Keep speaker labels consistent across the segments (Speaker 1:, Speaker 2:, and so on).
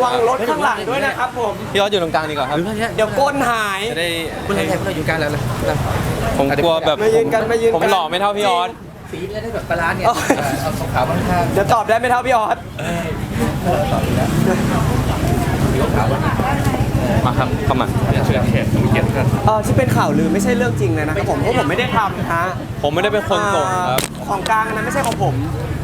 Speaker 1: วังรถข้างหลังด้วยนะครับผม
Speaker 2: พี่ออสอยู่ตรงกลางดีกว่าครับ
Speaker 1: เดี๋ยวก้นหาย
Speaker 2: จะได้
Speaker 3: คุณอะไรคุณอยู่กลางแล้วเลย
Speaker 2: ผมกลัวแบบ
Speaker 1: มายืนกันมายืนกัน
Speaker 2: ผมหล่อไม่เท่าพี่ออส
Speaker 3: สีจะได้แบบบาลานซ์เนี่ยเอาขาวๆข้าง
Speaker 1: เดี๋ยวตอบได้ไม่เท่าพี่ออส
Speaker 3: ต่อดีแล้วสีขาว
Speaker 2: มาครับเข้ามา
Speaker 3: เชื่อเขตต้องเกียรติท่าน
Speaker 1: ที่เป็นข่าวลือไม่ใช่เรื่องจริงเลยนะครับผมเพราะผมไม่ได้ทำฮะ
Speaker 2: ผมไม่ได้เป็นคนส่งครับ
Speaker 1: ของกลางนะไม่ใช่ของผม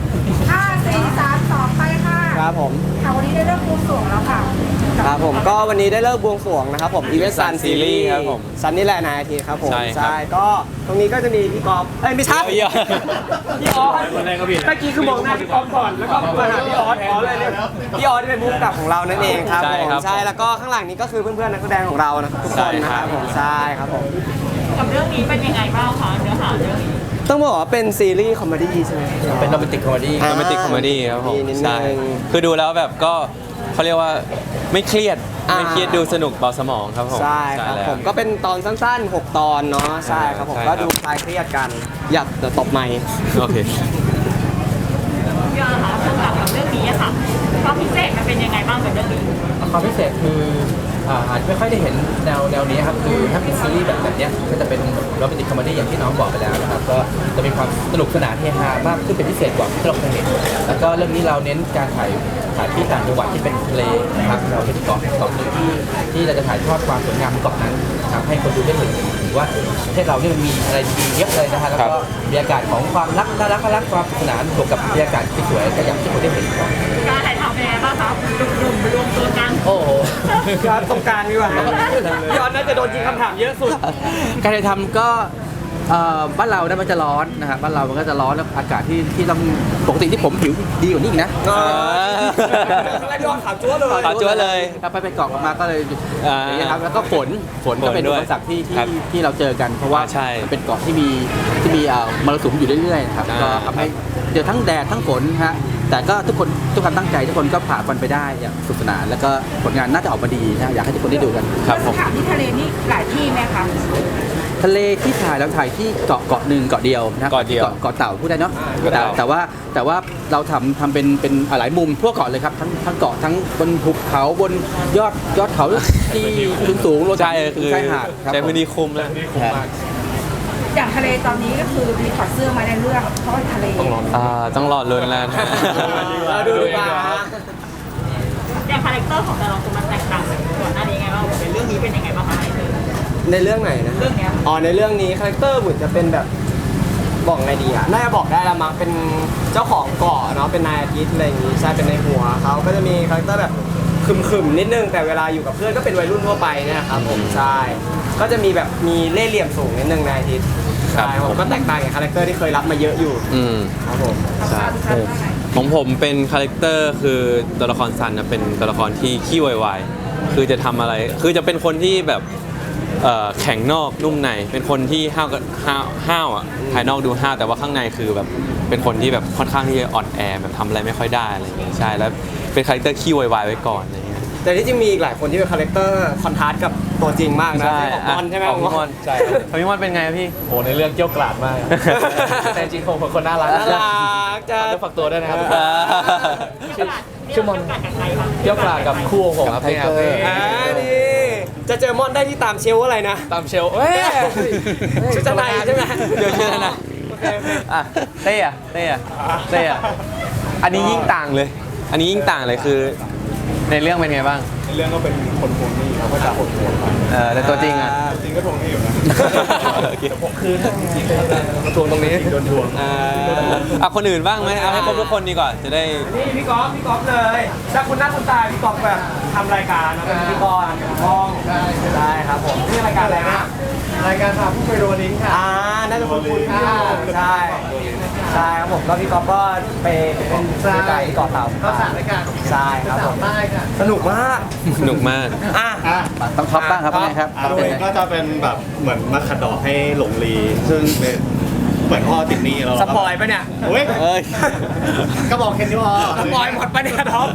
Speaker 4: 5 4 3 2ไปค่ะ
Speaker 1: ครับผม
Speaker 4: ค่ะวันนี้ได้เริ่มบวงสรวงแล้วค่ะ
Speaker 1: ครับผมก็วันนี้ได้เลิกบวงสรวงนะครับผมอีเวนต์ซัน
Speaker 2: Sun
Speaker 1: ซีรี
Speaker 2: Series
Speaker 1: ส์
Speaker 2: ครับผม
Speaker 1: ซันนี่แหละนายอาทิตย์ครับผม
Speaker 2: ใช่ครับ
Speaker 1: ก็ตรงนี้ก็จะมีพี่กอล์ฟไม่ใช่
Speaker 2: เยอะ
Speaker 1: พี่ออสเมื่อกี้คือมองหน้าพี่กอล์ฟก่อนแล้วก็มาหาพี่ออสเลยเนี่ยพี่ออสที่เป็นผู้กำกับของเรานั่นเองครับ
Speaker 2: ใช่
Speaker 1: ผม
Speaker 2: ครับ
Speaker 1: ใช่แล้วก็ข้างหลังนี้ก็คือเพื่อนๆนักแสดงของเรานะครับทุกคนนะครับผมใช่ครับผม
Speaker 5: กับเรื่องนี้เป็นยังไงบ้างคะเนื้อหาเรื่องนี้
Speaker 1: ต้องบอกว่าเป็นซีรีส์คอมเมดี้ใช่ไหม
Speaker 3: เป็นโรแมนติกคอมเมดี้
Speaker 2: โรแมนติกคอมเมดี้ครับผม
Speaker 1: มีนิดนึง
Speaker 2: ใช่คือดูแล้วแบบก็เขาเรียกว่าไม่เครียด
Speaker 1: อ่า
Speaker 2: ไม่เครียดดูสนุกเบาสมองครับผม
Speaker 1: ใช่ครับ
Speaker 2: แล้ว
Speaker 1: ผมก็เป็นตอนสั้นๆ 6 ตอนเนาะใช่ครับผม
Speaker 2: ใช่ครั
Speaker 1: ก็
Speaker 2: บ
Speaker 1: ดูคลายเครียดกันอยากจะตบไมค์
Speaker 2: โอเค
Speaker 5: พี่อาค่ะสำหรับเรื่องนี้อะค่ะความพิเศษมันเป็นยังไงบ้างกับเรื่องนี้
Speaker 3: ความพิเศษคืออาจจะไม่ค่อยได้เห็นแนวนี้ครับคือถ้าเป็นซีรีส์แบบเนี้ยก็จะเป็นโรแมนติกคอมเมดี้อย่างที่น้องบอกไปแล้วนะครับก็จะมีความสนุกสนานเฮฮามากขึ้นเป็นพิเศษกว่าที่เราเคยเห็นแล้วก็เรื่องนี้เราเน้นการถ่ายที่ต่างจังหวัดที่เป็นทะเลนะครับเราเป็นเกาะหนึ่งที่เราจะถ่ายทอดความสวยงามของเกาะนั้นทำให้คนดูได้เห็นว่าประเทศเราเนี่ยมันมีอะไรดีๆเยอะเลยนะฮะแล้วก็บรรยากาศของความรักน่ารักความสนุกสนานบวกกับบรรยากาศที่สวยก็อย่างที่คนได้เห็นครับ
Speaker 5: การถ่ายทำเป็นยังไงบ้างคะหนุ่มๆรวมตัวกัน
Speaker 3: โอ้โห
Speaker 1: ย้อนตรงกลางดีกว่าย้อนน่าจะโดนยิงคำถามเยอะสุด
Speaker 3: การถ่ายทำก็บ้านเราเนี่ยมันจะร้อนนะครับบ้านเรามันก็จะร้อนแล้วอากาศที่ต้องปกติที่ผมผิวดีกว่านี้อีกนะ
Speaker 1: อะไรย้อนขาวจั๊วเลย
Speaker 2: ขาวจั๊วเลย
Speaker 3: แล้วไปเกาะมาก็เลย
Speaker 2: อ่า
Speaker 3: อย่างเงี้ยครับแล้วก็ฝนก็เป็น
Speaker 2: ฝนด้
Speaker 3: อุ
Speaker 2: วย
Speaker 3: ปสรรคที่
Speaker 2: ครับ
Speaker 3: ที่เราเจอกันเพราะว่า
Speaker 2: ใช่
Speaker 3: มันเป็นเกาะที่มีมรสุมอยู่เรื่อยๆครับ
Speaker 2: อ่า
Speaker 3: ก็ทำให้เจอทั้งแดดทั้งฝนฮะแต่ก็ทุกคนตั้งใจทุกคนก็ผ่านมันไปได้อย่างสนุกสนานแล้วก็ผลงานน่าจะออกมาดีนะอยากให้ทุกคนได้ดูกัน
Speaker 2: ครับผม
Speaker 4: สถานที่ทะเลนี่หลายที่ไหมคะ
Speaker 3: ทะเลที่ถ่ายเราถ่ายที่เกาะหนึ่งเกาะเดียวนะ
Speaker 2: เกาะเดียว
Speaker 3: เกาะเต่าพูดได้เนาะ
Speaker 2: เกาะเต่า
Speaker 3: แต่ว่าเราทำเป็นหลายมุมทั่วเกาะเลยครับทั้งเกาะทั้งบนภูเขาบนยอดเขาที่สูงๆลง
Speaker 2: ใช่
Speaker 3: ถึง
Speaker 2: คือ
Speaker 3: ชายหาดครับ
Speaker 2: ใช้พื้นที่คุ้มเลย
Speaker 4: อย่างทะเลตอนนี้ก็คือมีถอดเสื้อมาในเรื่องเพราะว่าทะเล
Speaker 2: ต้องรอลุ้นแล้วนะ
Speaker 1: ดูดีกว่า
Speaker 5: อย่างคาแรคเตอร์ของแต่ละคนมันแตกต่างจากก่อนหน้านี้ไงบ้างเป็นเรื่องนี้เป็นยังไงบ้างคะ
Speaker 1: ในเรื่องไหนนะ
Speaker 5: เรื่องเนี้ย
Speaker 1: ในเรื่องนี้คาแรคเตอร์เหมือนจะเป็นแบบบอกไงดีอ่ะน่าจะบอกได้ละมั้งเป็นเจ้าของเกาะเนาะเป็นนายอาทิตย์อะไรอย่างงี้ใช่เป็นในหัวเขาก็จะมีคาแรคเตอร์แบบขึมๆนิดนึงแต่เวลาอยู่กับเพื่อนก็เป็นวัยรุ่นทั่วไปเนยนะครับผมใช่ก็จะมีแบบมีเล่ห์เหลี่ยมสูงนิดนึงนายอาทิตย์
Speaker 2: ครับ
Speaker 1: ใช่ผมก็แตกต่างจากคาแรคเตอร์ที่เคยรับมาเยอะอยู่
Speaker 2: อืม
Speaker 1: ครับผม
Speaker 2: ใช่ของผมเป็นคาแรคเตอร์คือตัวละครซันนะเป็นตัวละครที่ขี้วายๆคือจะทำอะไรคือจะเป็นคนที่แบบแข็งนอกนุ่มในเป็นคนที่ห้าวอ่ะภายนอกดูห้าวแต่ว่าข้างในคือแบบเป็นคนที่แบบค่อนข้างที่จะอ่อนแอแบบทำอะไรไม่ค่อยได้อะไรอย่างเงี้ยใช่แล้วเป็นคาแรคเตอร์ขี้วายๆไว้ก่อนอะไรอย่างเงี้ย
Speaker 1: แต่ที่จริงมีอีกหลายคนที่เป็นคาแรคเตอร์คอนทราสต์กับตัวจริงมากนะของมอนใช่ไหม
Speaker 2: ของพี่มอนใช่ของพี่มอนเป็นไงพี่
Speaker 3: โอ้ในเรื่องเกี้ยวกราดมาก แต่จริงคงเป็นคนน่ารัก
Speaker 1: น่ารักจะ
Speaker 3: ต้องฝากตัวด้วยนะครับ
Speaker 5: ชื่อมอนกับใครคะ
Speaker 3: เกี้ยวกราดกับคู่ของผมครับไทเกอร์
Speaker 1: นี่จะเจอมอนได้ที่ตามเชลฟ์อะไรนะ
Speaker 3: ตามเชลเอ้ย
Speaker 1: ชุดชั้นในใช่ไหม
Speaker 2: เดี๋ยวเชื่อนะอ่ะเต้อะอันนี้ยิ่งต่างเลย อันนี้ยิ่งต่างเลยคือในเรื่องเป็นไงบ้าง
Speaker 6: ในเรื่องก็เป็นคนทวงหนี้เขาก็จะโหดโหดไป
Speaker 2: แต่ตัวจริงอ่ะ
Speaker 6: จริงก็ทวงหนี้อยู่นะ
Speaker 3: ผมคือจริงๆมาทวงตรงนี้
Speaker 6: โดนทวง
Speaker 2: คนอื่นบ้างไหมเอาให้ครบทุกคนดีกว่าจะได้
Speaker 1: นี่พี่ก๊อฟเลยถ้าคุณหน้าคุณตาพี่ก๊อฟแบบทำรายการนะเป็นพิธีกรห้องได้ครับผมนี่รายการอะไรนะ
Speaker 6: รายการพาผู้ไปโรลิงค่ะ
Speaker 1: น่าจะคุณใช่ใช่ครับผมก็พี่ก๊อฟก็ไปเป็นรายการที่เกาะเต่า
Speaker 6: ก็สามรายการ
Speaker 1: ใช่ครับผม
Speaker 6: ใต้ค่ะ
Speaker 1: สนุกมาก
Speaker 2: สนุกมาก
Speaker 3: ต้องท็อปบ้างครับเป็นไงครับ
Speaker 6: โดยก็จะเป็นแบบเหมือนมาขัดดอกให้หลงลี ซึ่งเป็นเหมือนพ่อติดหนี้เรา
Speaker 1: สปอยปะเนี่ย
Speaker 6: เฮ้ย
Speaker 2: เอ้ย
Speaker 6: ก็บอกแค่นี้พอ
Speaker 1: สปอยหมดปะเนี่ยท็อป
Speaker 6: ก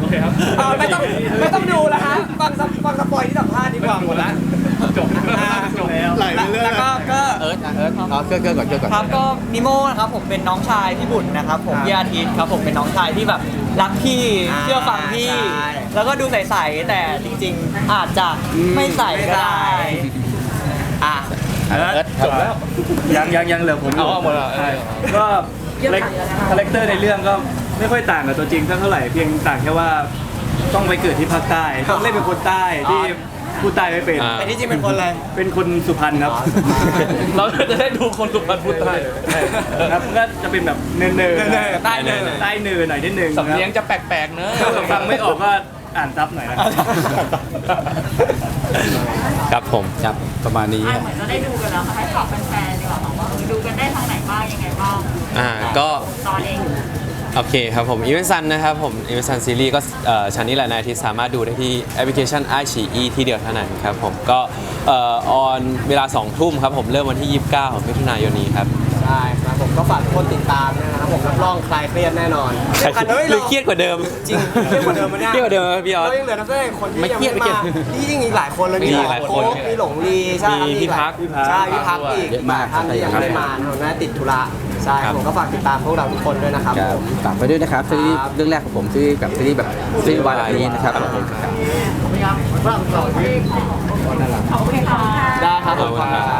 Speaker 7: เคครับ
Speaker 1: ไม่ต้องดูแล้วฮะฟังสปอยที่สัมภาษณ์ดีกว่าหมดแล้ว
Speaker 7: จบแล้ว
Speaker 6: ไหลไปเรื่อย
Speaker 1: แล้วก็
Speaker 3: เอิร์ธเอาเกิร์ก่อน
Speaker 8: ครับก็นิโม่นะครับผมเป็นน้องชายพี่บุญนะครับผมพี่อาทิตย์ครับผมเป็นน้องชายที่แบบรักพี่เชื่อฟังพี่ แล้วก็ดูใสๆแต่จริงๆอาจจะไม่ใสก็ได้
Speaker 1: อ่ะ
Speaker 3: เอิร์ธจบแล้ว
Speaker 7: ยังเหลือผมอยู่
Speaker 3: เอาหมดแล้ว
Speaker 7: ใช่ก็คาแรคเตอร์ในเรื่องก็ไม่ค่อยต่างกับตัวจริงเท่าไหร่เพียงต่างแค่ว่าต้องไปเกิดที่ภาคใต้ต้องเล่นเป็นคนใต้ที่พูดใต้ไม่เป็น
Speaker 1: แต่ที่จริงเป็นคนอะไร
Speaker 7: เป็นคนสุพรรณครับ เราจะได้ดูคนสุพรรณพูดใต้ครับก็จะเป็นแบบเนินๆ
Speaker 1: ใต้เนิน
Speaker 7: ใต้เนินหน่อยนิดนึง
Speaker 3: สำเนียงจะแปลกๆเนอะ
Speaker 7: ถ้าฟังไม่ออกก็อ่านซับหน่อยนะ
Speaker 2: ครับผม
Speaker 3: ครับประมาณนี้
Speaker 5: เหมือนจะได้ดูกันแล้วค่ะให้ฝากแฟนๆดีกว่าค่ะว่าดูกันได้ทางไหนบ้างยังไงบ้าง
Speaker 2: ก็
Speaker 5: ตอนเอง
Speaker 2: โอเคครับผมอีเวนต์ซันนะครับผมอีเวนต์ซันซีรีส์ก็ชั้นนี้แหละนายอาทิตย์สามารถดูได้ที่แอปพลิเคชันไอฉีอีที่เดียวเท่านั้นครับผมก็ออนเวลา 2 ทุ่มครับผมเริ่มวันที่ 29 มิถุนายนนี้ครับ
Speaker 1: ใช่ครับผมก็ฝากทุกคนติดตามนะครับผมรับรองคลายเครียดแน่นอน
Speaker 2: หรือเครียดกว่าเดิม
Speaker 1: จริงเครียดกว่าเดิมมั้ยเนี่ย
Speaker 2: เครียดกว่าเดิมครับพี่ออส
Speaker 1: เรายังเหลือนักแสดงคนที่
Speaker 2: ไม่
Speaker 1: ยัง
Speaker 2: เครียด
Speaker 1: ไม่มาที่จริงอีกหลายคนเลย
Speaker 2: มีหลายคน
Speaker 1: โอ๊คมีหลงลีใช่ครับ
Speaker 2: มีพี่พัก
Speaker 1: ใช่พี่พักอีก
Speaker 3: เยอะมาก
Speaker 1: ท่านที่ยังไม่ได้มาผมน่าติดธุระใช่ครับผมก็ฝากติดตามพวกเราทุกคนด้วยนะครับ
Speaker 3: ครับ
Speaker 1: ผม
Speaker 3: ฝากไปด้วยนะครับซีรีส์เรื่องแรกของผมซีรีส์แบบซีรีส์แบบซีรีส์วายแบบนี้นะครับผม
Speaker 5: ขอบคุณค่ะ
Speaker 1: ได้ครับผม
Speaker 2: ขอบคุณครับ